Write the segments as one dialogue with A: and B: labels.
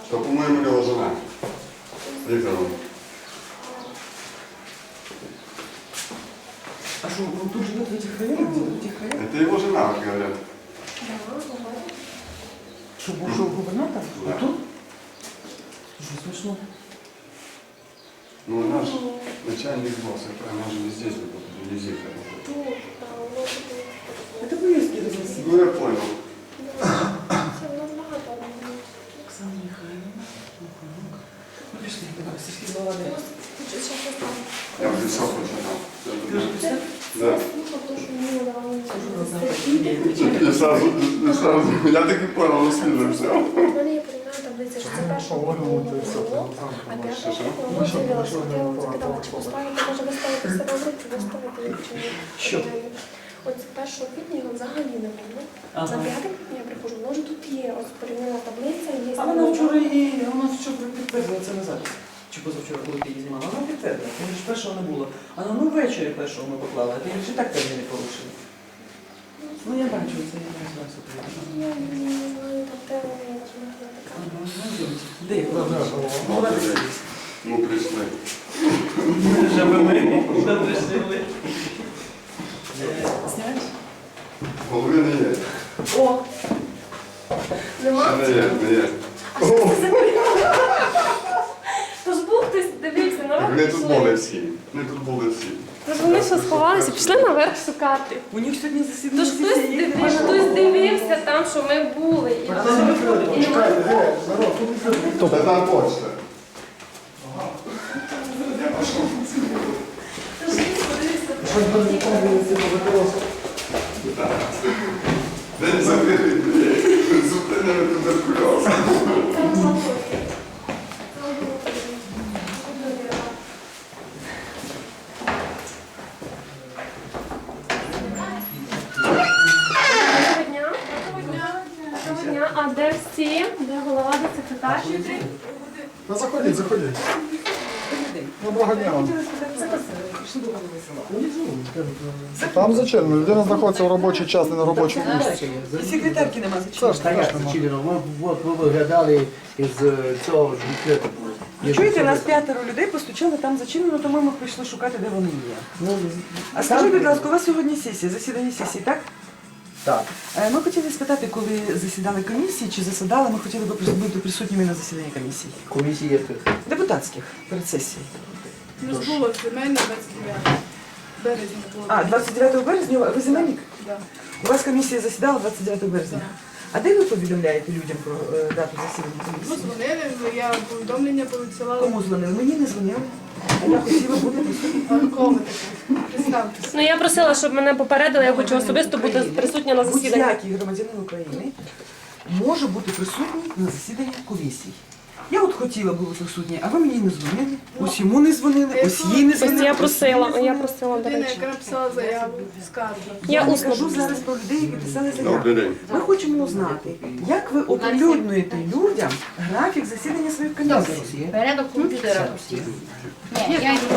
A: То, по-моему, его жена. Викторовна.
B: А что, он тут живет в этих районах? В этих районах?
A: Это его жена, говорят.
B: Что, бывшего губернатора?
A: Да.
B: А тут? Слушай, смешно.
A: Ну, наш начальник босс, она же не здесь, везде.
B: Это поездки разноси.
A: Ну, я понял.
B: Оксана Михайловна. Ну, пішли, давай, сільські голова де?
A: Я уже все прочитал.
B: Ти вже писав?
A: Да. Я так и понял, он слышал все.
C: У мене є порівняна таблиця, що це першого було, а п'ятого було з'явилося. Я вам запитала, чи поставити, може виставити себе в руку, виставити чи ні.
B: Що?
C: От з 1 квітня його взагалі не було.
B: Ага.
C: На 5 квітня я приходжу, може тут є ось порівняна таблиця, є...
B: А вона вчора підтвердила це назад. Чи позавчора, коли ти її знімала, вона підтвердила. Тому що першого не було. А ну ввечері першого ми поклали, а ти ж і так терміни порушили. Ну я бачу, це я не знаю, що
C: Я не знаю, там терміни, я така.
B: Де їх? Молодець.
A: Ну, пришли.
B: Живе ми, добре жили. Знімаєш?
A: Голови не є.
C: О! Нема?
A: Не є, не є.
C: А що це за порівняна? Тож був хтось, дивився, народ
A: Вони тут
C: пішли.
A: були всі. Вони тут були всі.
C: Тож вони що сховалися, пішли наверх шукати.
B: У них сьогодні засідання.
C: Тож хтось дивився там, що ми були. І
A: Та там почта. День закритий, зупинили туберкульоз.
C: Доброго дня. А де всі? Де голова, де секретар?
D: Та заходіть, заходіть. Доброго дня вам. Там зачем? Людина знаходиться в робочий час, не на робочому місці.
B: І секретарки нема
D: Це
B: зачем.
D: ж
E: Та як
D: страшно.
E: це чилено? От ви виглядали із цього ж буклету.
B: Чуєте, нас 5 людей постучали там зачинено, тому ми прийшли шукати, де вони є. А скажіть, будь ласка, у вас сьогодні сесія, засідання сесії, так?
E: Так.
B: Ми хотіли спитати, коли засідали комісії, чи засідали, ми хотіли б бути присутніми на засіданні комісії.
E: Комісії яких?
B: Депутатських, перед сесією.
F: Ну, було земельне 29 березня було.
B: А, 29 березня? Ви земельник?
F: Да.
B: У вас комісія засідала 29 березня. А де ви повідомляєте людям про дату засідання
F: Ну,
B: комісії?
F: дзвонили, я повідомлення повідсилала.
B: Кому дзвонили? Мені не дзвонили. А я хотіла бути присутня.
F: А кого ви такі? Представтеся.
C: Ну я просила, щоб мене попередили, я хочу особисто бути присутня на засіданні.
B: Будь-який громадянин України може бути присутній на засіданні комісії. Я от хотіла бути присутня, а ви мені не дзвонили. Ось йому не дзвонили, ось їй не
C: Ось
B: дзвонили.
C: я
B: ось
C: просила,
B: їй не
C: я
B: дзвонили.
C: просила, до
F: Людина,
C: речі.
F: яка написала заяву, скаргу.
C: Я
B: не
C: усно
B: кажу
C: буду.
B: зараз про людей, які писали заяву.
A: Добрий день.
B: Ми хочемо узнати, як ви оприлюднюєте людям графік засідання своїх комісій.
G: Порядок комп'ютера усіх. Ні, я йду.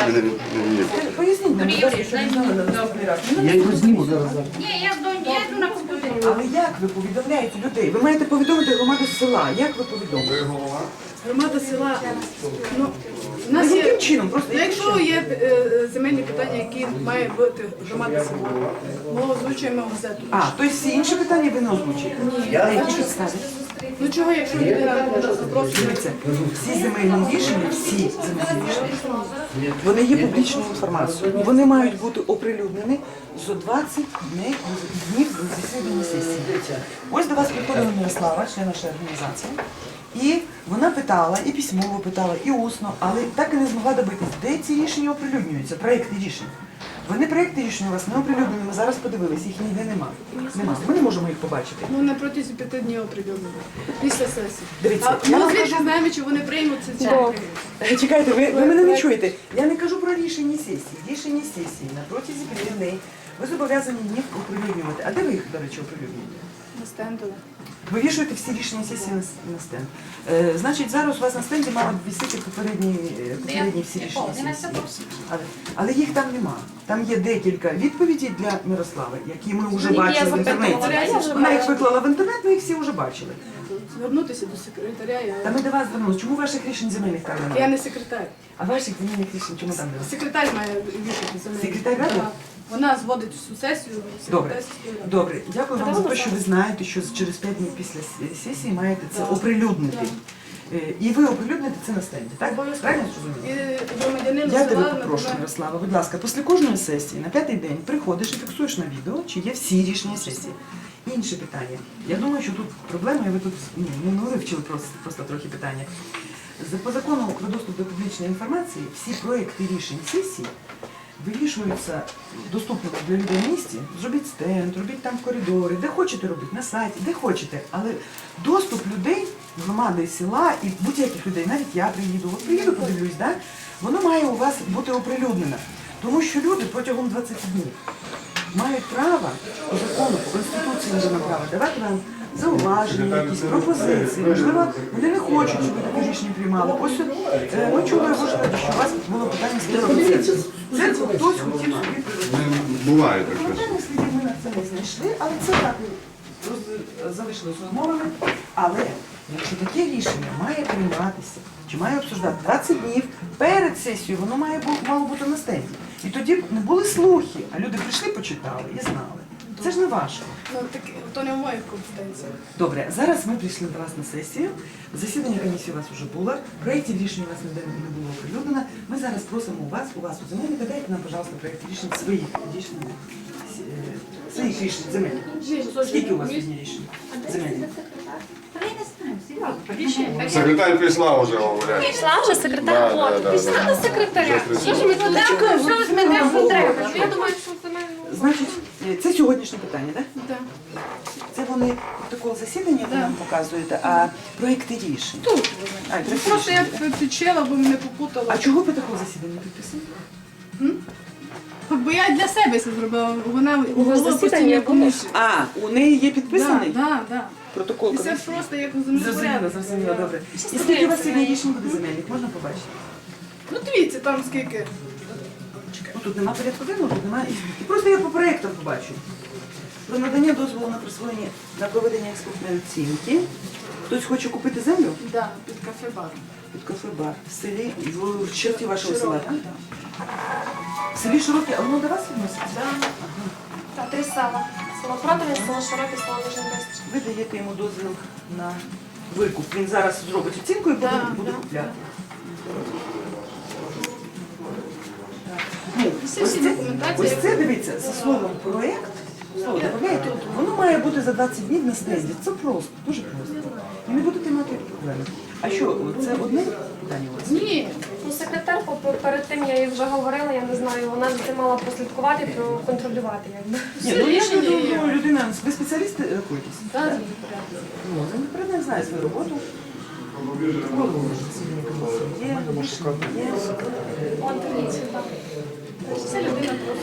B: Поясніть нам, будь ласка, що ви знали на наступний раз.
E: Я його зніму зараз.
G: Ні, я йду на комп'ютері.
B: Але як ви повідомляєте людей? Ви маєте повідомити громаду села. Як ви повідомите?
A: Ви голова?
F: Громада села, ну, у
B: А
F: нас
B: яким
F: є,
B: чином? Просто
F: ну,
B: яким
F: якщо
B: чином?
F: є земельні питання, які має бути громада села, ми озвучуємо газету.
B: А, тобто всі інші питання ви не озвучуєте? На які підставі?
F: Ну чого, якщо людина запросить?
B: Дивіться, всі земельні рішення, всі земельні рішення, вони є публічною інформацією. Вони мають бути оприлюднені за 20 днів до засідання сесії. Ось до вас приходила Мирослава, член нашої організації, і вона питала, і письмово питала, і усно, але так і не змогла добитись, де ці рішення оприлюднюються, проекти рішень. Вони проекти рішень у вас не оприлюднені, ми зараз подивилися, їх ніде нема. Ми не можемо їх побачити.
F: Ну, на протязі 5 днів оприлюднили, після сесії.
B: Дивіться,
F: А
B: я
F: ми
B: вам
F: звідки
B: кажу-
F: знаємо, чи вони приймуться, чи не приймуться?
B: Чекайте, ви мене не чуєте. Я не кажу про рішення сесії. Рішення сесії на протязі 5 днів ви зобов'язані їх оприлюднювати. А де ви їх, до речі, оприлюднюєте?
F: На стендове.
B: Ви вішуєте всі рішення сесії на стенд. Значить, зараз у вас на стенді мали б висіти попередні всі рішення сесії. Але їх там нема. Там є декілька відповідей для Мирослави, які ми вже
C: Які я
B: бачили в
C: запитувала.
B: інтернеті.
C: Я вже
B: Вона їх
C: бачила.
B: виклала в інтернет, ми їх всі вже бачили.
F: звернутися до секретаря.
B: Та ми до вас звернулися. Чому ваших рішень земельних там
F: Я
B: немає?
F: не секретар.
B: А ваших земельних рішень чому там немає?
F: Секретар має вішати за мене.
B: Секретар ради?
F: Так. Вона зводить всю сесію.
B: Добре,
F: секретар сільської ради.
B: добре. Дякую вам за те, що ви знаєте, що через 5 днів після сесії маєте це оприлюднити. І ви оприлюдните це на стенді, так?
F: Обов'язково.
B: Правильно зрозуміло?
F: І громадянин
B: Я тебе
F: села
B: попрошу,
F: напевно,
B: Ярослава, будь ласка, після кожної сесії на 5-й день приходиш і фіксуєш на відео, чи є всі рішення сесії. Інше питання. Я думаю, що тут проблема, і ви тут не вивчили просто трохи питання. По закону про доступ до публічної інформації всі проекти рішень сесії вирішуються доступно для людей в місті. Зробіть стенд, робіть там в коридорі, де хочете робіть, на сайті, де хочете. Але доступ людей, громади села і будь-яких людей, навіть я приїду, от приїду, подивлюсь, да? Воно має у вас бути оприлюднено. Тому що люди протягом 20 днів мають право по закону, по Конституції мають право давати вам зауваження, якісь пропозиції. Можливо, вони не хочуть, щоб ви таке рішення приймали. Ось ми чули, що у вас було питання з церкви. Церкву хтось хотів собі привести.
A: Буває таке.
B: Проблемних слідів ми на це не знайшли, але це так залишилось розмовами. Але якщо таке рішення має прийматися, чи має обсуждати 20 днів перед сесією, воно мало бути на стенді. І тоді не були слухи, а люди прийшли, почитали і знали. Це ж не ваше.
F: Ну, так, то не в моїх компетенціях.
B: Добре, зараз ми прийшли до вас на сесію. Засідання комісії у вас вже було. Проєктів рішень у вас ніде не було оприлюднено. Ми зараз просимо у вас у земельника, дайте нам, пожалуйста, проєкт рішень своїх рішень земельних. Скільки у вас є рішень земельних?
G: Та я не знаю,
A: Секретар прислав вже, говорять.
C: Пішла вже секретар.
A: Да,
C: От,
A: да,
C: пішла
A: да.
C: до секретаря.
A: Щось
C: Що ж ми тут дякую, що ви з мене треба? Я думаю, що це мене.
B: Значить, це сьогоднішнє питання, так?
F: Да.
B: Це вони протокол засідання ви нам показуєте, а проєкти рішень.
F: Тут.
B: А, проєкти
F: Просто я
B: рішень.
F: підчела, бо мене попутала.
B: А чого протокол засідання підписаний?
F: Бо я для себе це зробила. Вона голова постійної комісії.
B: А, у неї є підписаний
F: Так.
B: протокол
F: І це
B: комісії?
F: просто як
B: Зрозуміло,
F: землепорядок.
B: зрозуміло, добре. І скільки у вас сьогодні рішень буде земельних? Можна побачити?
F: Ну дивіться, там скільки.
B: Ну, тут нема порядку денного, тут немає. І просто я по проєктам побачу. Про надання дозволу на присвоєння на проведення експертної оцінки. Хтось хоче купити землю
F: Да, під кафе-бар.
B: під кафе-бар в селі, в черті вашого села, так? В селі Широке, а воно до вас відноситься?
C: Та 3 села. Село Протове, село Широке, село Вижнебистр.
B: Ви даєте йому дозвіл на викуп. Він зараз зробить оцінку і буде
F: Да.
B: купляти.
F: Всі документації.
B: Ось це, дивіться, за словом проєкт, слово додаєте, воно має бути за 20 днів на стенді. Це просто, дуже просто. І не будете мати проблеми. А що, це одне питання у вас?
F: Ні.
C: Ну, секретар перед тим я їй вже говорила, я не знаю, вона за цим мала прослідкувати, проконтролювати, якби.
B: Ні, ну я ж думаю, людина, ви спеціалісти рахуєтесь?
F: Так,
B: Ну, землепорядник знає свою роботу. Голову засідання комісії є, рішення є.
C: От, дивіться, так.
F: це людина просто.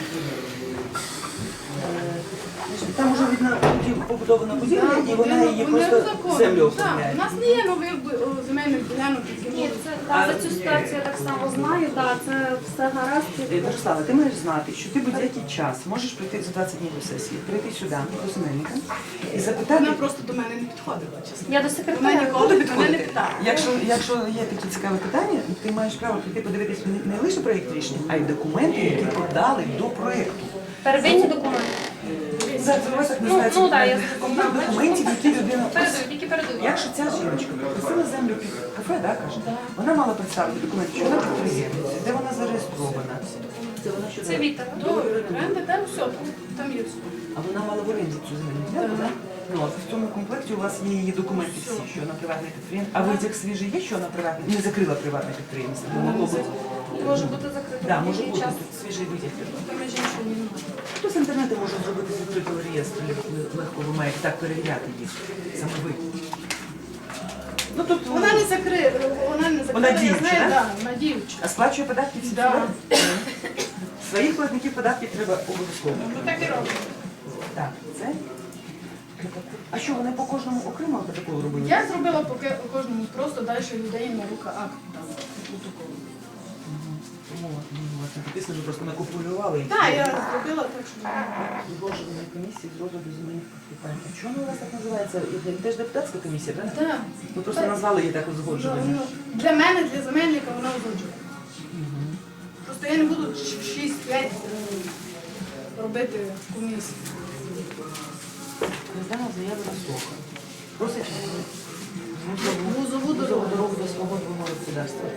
B: Там вже видно побудована будівля, і вона її просто землю
F: Так, у
B: оформляє.
F: нас не є нових земельних ділянок, які
C: Ні,
F: можуть.
C: це, за цю ситуацію я так само знаю, так, це все гаразд.
B: Мирослава, ти маєш знати, що ти будь-який час можеш прийти за 20 днів до сесії, прийти сюди, до земельника, і запитати.
F: Вона просто до мене не підходила, чесно.
C: Я до
F: Вона
C: секретаря.
F: ніколи
B: Куди
F: до мене не
B: підходити?
F: питала.
B: Якщо є такі цікаві питання, ти маєш право прийти подивитись не лише проєкт рішення, а й документи, які подали до проєкту.
C: Первинні документи.
B: Зараз у вас так
C: Ну,
B: називається
C: да, я
B: комплект документів, які людина.
C: Передаю, тільки передаю.
B: Якщо ця жіночка попросила землю під кафе, да, каже, вона мала представити документи, що вона підприємниця, де вона зареєстрована. Це вона що
C: Це Віта.
F: Оренда, там все, там є все.
B: А вона мала в оренді цю земельну ділянку, так? Ну, от в цьому комплекті у вас є її документи всі, що вона приватне підприємство. А витяг свіжий є, що вона приватне, не закрила приватне підприємство. Бо могло бути.
C: Може бути закрито.
B: Да, може
C: Який
B: бути
C: час?
B: тут свіжий витяг.
F: Там я жінку не немає.
B: Хто з інтернету може зробити з відкритого реєстру, легко ви маєте так перевіряти їх, саме ви. Ну тут
F: Вона не закриє, вона не закриє,
B: Вона
F: я
B: діюча,
F: знаю,
B: да?
F: да, вона діюча.
B: А сплачує податки всі
F: Да.
B: сюди? Своїх платників податків треба обов'язково.
F: Ну так і робимо.
B: Так, це. А що, вони по кожному окремо протокол робили?
F: Я зробила по кожному, просто далі людей на рука акт там протоколу.
B: Власне, написано, що просто накопулювали.
F: Так, я зробила так, що
B: Узгодження комісії з розгляду земельних питань. А чому у вас так називається? Теж депутатська комісія, правильно?
F: так.
B: Ви просто назвали її так узгоджування.
F: Для мене, для земельника, вона узгоджує. Просто я не буду 6-5 робити комісію.
B: Роздана заява на слуха. Просить
F: Вузову дорогу.
B: дорогу до свого двого господарства.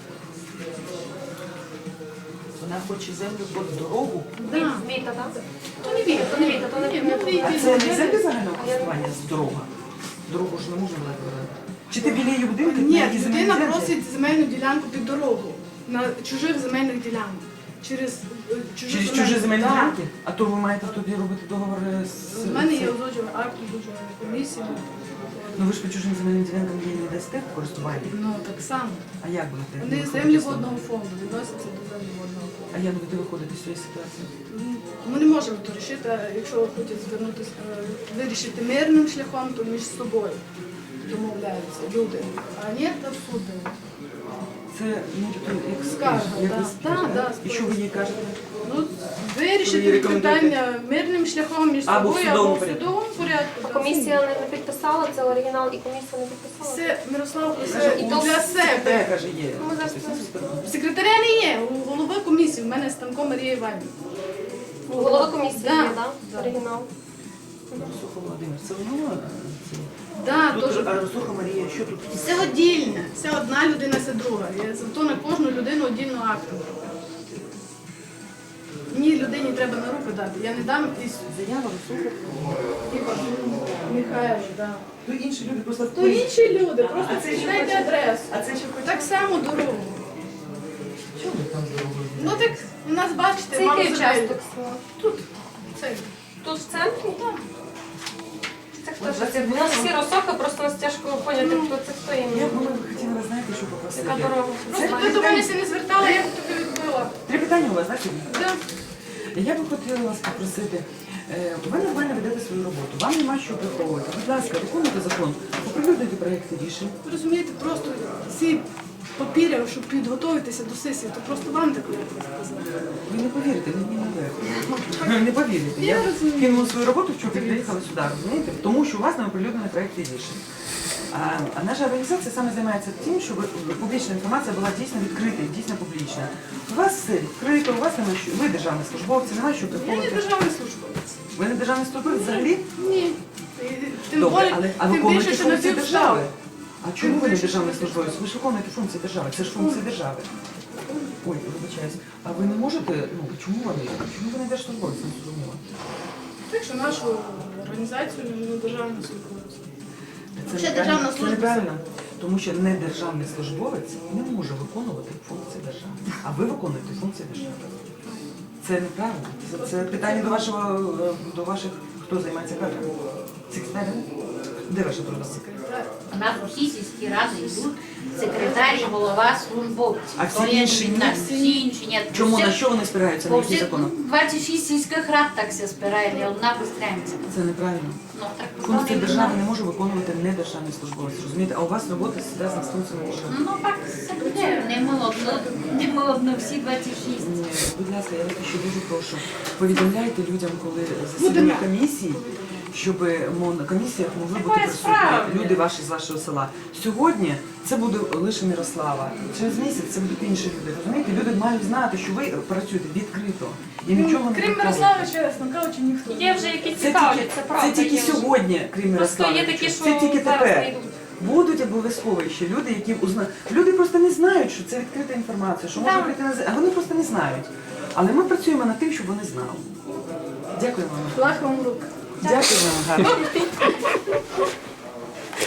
B: Вона хоче землю під дорогу.
F: Да.
C: Віта, так?
F: То не віта, то не віта, то не віта.
B: А це не землі загального користування з дорога? Дорогу ж не можна вибирати. Чи ти біля її будинку?
F: Ні, людина просить земельну ділянку під дорогу на чужих земельних ділянок. Через
B: Через чужі земельні
F: Так.
B: ділянки? А то ви маєте тоді робити договор з...
F: У мене є узгоджуваний акт узгоджуваної комісії.
B: Ну ви ж по чужим земельним ділянкам її не дасте в користування?
F: Ну так само.
B: А як будете?
F: Вони
B: виходити
F: землі
B: з того?
F: водного фонду відносяться до землі водного фонду.
B: А як будете виходити з цієї ситуації?
F: Ми не можемо то рішити, а якщо хочуть звернутися, вирішити мирним шляхом, то між собою домовляються люди. А ні, то в суд дають.
B: Це нібито як
F: Скарга,
B: як
F: да.
B: ви скажете,
F: Да, да,
B: І що ви їй кажете?
F: Ну,
B: Ви
F: вирішити
B: рекомендуєте?
F: питання мирним шляхом між
B: Або в
F: собою,
B: судовому
F: або в
B: порядку.
F: судовому порядку.
C: А
F: да.
C: комісія не підписала, це оригінал і комісія не підписала.
F: Це Мирослав
B: Каже,
F: це
C: і
F: і
C: то
F: для
B: Те,
F: себе.
B: каже, є.
C: Ми зараз
F: Секретаря не є, у голови комісії, в мене Станко Марія Іванівна.
C: голова комісії
F: Да.
C: є, так? Оригінал.
B: Росуха Володимир, це воно?
F: Да,
B: Тут,
F: тож,
B: а Росуха Марія, що тут?
F: все одільне, це одна людина, це друга. Я зато на кожну людину одільну акту. Мені людині треба на руку дати. Я не дам із
B: Заява Росуха.
F: Михайло, да.
B: То інші люди просто...
F: То інші люди, просто
B: А це ще
F: читайте
B: хоче-
F: адресу.
B: А це ще хоче...
F: Так само дорогу.
B: Чому ви там дорогою?
F: Ну так у нас бачите,
C: Це
F: мало
C: який
F: земель.
C: участок села?
F: Тут. Цей.
C: Тут в центрі?
F: Так.
C: Це хто ж це? У нас всі розсока, просто нас тяжко поняти, хто це хто
B: Я
C: іменно.
B: б хотіла, ви знаєте, що попросити?
C: Яка дорога?
F: Просто ти до мене не звертала, я б тобі відбила.
B: 3 питання у вас, так? Сергій?
F: Да.
B: Я би хотіла вас попросити, ви нормально ведете свою роботу, вам нема що приховувати. Будь ласка, виконуйте закон, оприлюднюйте проєкти рішень.
F: Ви розумієте, просто ці папіри, щоб підготуватися до сесії, то просто вам так сказати.
B: Ви не повірите, мені не легко. Не повірите. Я
F: Я розумію.
B: кинула свою роботу, вчора приїхала сюди, розумієте? Тому що у вас не оприлюднені проєкти рішень. А наша організація саме займається тим, щоб публічна інформація була дійсно відкрита і дійсно публічна. У вас все відкрито, у вас немає що, ви державні службовці, немає що
F: Я не
B: приховувати.
F: державний службовець.
B: Ви не державний службовець взагалі?
F: Ні. Тим
B: Добре,
F: более-
B: але а
F: тим
B: виконуєте
F: більше, що на
B: функції
F: цю
B: держави.
F: встав.
B: А чому ви не
F: більше,
B: державний
F: що
B: службовець? Ви ж виконуєте функції держави, це ж функції держави. Ой, вибачаюсь. А ви не можете, ну чому ви не держслужбовець, не зрозуміло?
F: Так що нашу організацію не державну службовцю.
B: Це
F: Ще
B: неправильно.
F: державна
B: Це
F: служба.
B: неправильно, тому що недержавний службовець не може виконувати функції держави, а ви виконуєте функції держави. Це неправильно. Це питання до ваших, хто займається кадрами? Секретарі? Де ваша труда?
G: У нас усі сільські ради йдуть, секретар і голова службовці.
B: А всі
G: То я
B: інші
G: не
B: ні?
G: знаю, всі інші ні.
B: Чому,
G: Всі-
B: на що вони спираються, на
G: По
B: які
G: всіх
B: закони?
G: 26 сільських рад так все спирає, ні одна пострається.
B: Це неправильно.
G: Ну, так,
B: Функції
G: вони
B: держави не
G: знають.
B: може виконувати недержавний службовець, розумієте? А у вас робота зв'язана з функціями держави.
G: Ну так, це буде. Не ми одно, всі 26.
B: Ні, будь ласка, я вас ще дуже прошу. Повідомляйте людям, коли засідання комісії, щоб на комісіях могли бути
G: Такої
B: присутні
G: справи.
B: люди ваші з вашого села. Сьогодні це буде лише Мирослава. Через місяць це будуть інші люди. Розумієте? Люди мають знати, що ви працюєте відкрито і нічого не
F: Крім
B: приховуєте.
F: Мирослава, чесно кажучи, ніхто.
C: Є вже які
B: Це
C: цікавляться,
B: тільки,
C: правда.
B: це тільки
C: є вже.
B: сьогодні, крім
C: Просто
B: Мирослава.
C: є такі, що
B: Це тільки
C: зараз
B: тепер.
C: не йдуть.
B: Будуть обов'язково ще люди, які люди просто не знають, що це відкрита інформація, що можна
C: Так.
B: прийти на а вони просто не знають. Але ми працюємо над тим, щоб вони знали. Дякую вам.
F: Лах вам рук.
B: Дякую вам, гарно.